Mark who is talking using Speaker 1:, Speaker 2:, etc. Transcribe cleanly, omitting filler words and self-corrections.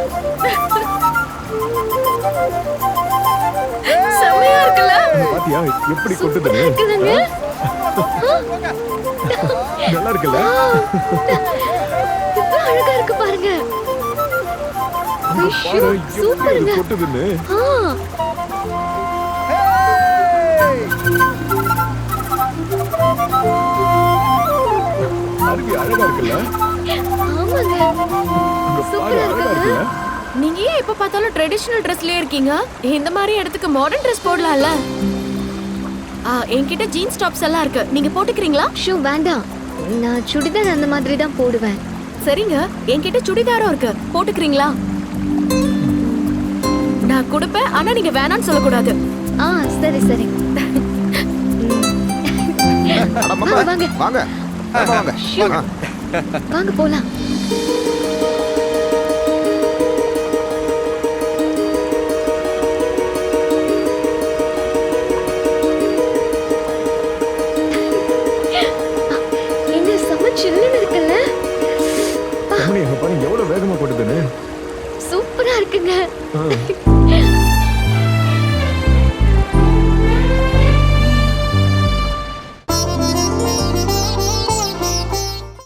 Speaker 1: செமையா இருக்குல்ல?
Speaker 2: பாத்தியா எப்படி கொட்டுதுன்னு?
Speaker 1: இருக்குதுங்க.
Speaker 2: நல்லா இருக்குல்ல?
Speaker 1: எவ்வளவு அழகா இருக்கு பாருங்க.
Speaker 2: பாரு, எப்படி
Speaker 1: சூப்பருங்க.
Speaker 2: இது கொட்டுதுன்னு?
Speaker 1: ஆ,
Speaker 2: அருவி அழகா இருக்குல்ல?
Speaker 1: ஆமாங்க.
Speaker 2: அங்க பாரு,
Speaker 1: சூப்பரா
Speaker 2: அழகா
Speaker 1: இருக்குல்ல?
Speaker 2: இருக்குல்ல?
Speaker 3: நீங்க ஏன் எப்ப பார்த்தாலும் ட்ரெடிஷனல் ட்ரெஸ்லயே இருக்கீங்க? இந்த மாதிரி இடத்துக்கு மாடர்ன் ட்ரெஸ் போடலாம்ல? என்கிட்ட ஜீன்ஸ் டாப்ஸ் எல்லாம் இருக்கு. நீங்க போட்டுக்கிறீங்களா?
Speaker 1: ஷூ வேண்டாம். நான் சுடிதார் அந்த மாதிரி தான் போடுவேன்.
Speaker 3: சரிங்க, என்கிட்ட சுடிதாரும் இருக்கு. போட்டுக்கிறீங்களா? நான் கொடுப்பேன், ஆனா நீங்க வேணாம்னு சொல்லக்கூடாது.
Speaker 1: ஆ, சரி சரி.
Speaker 4: அட மாமா,
Speaker 1: வாங்க.
Speaker 4: வாங்க. ஆமா, வாங்க.
Speaker 1: ஷூ.
Speaker 4: ஆ.
Speaker 1: வாங்க போலாம்.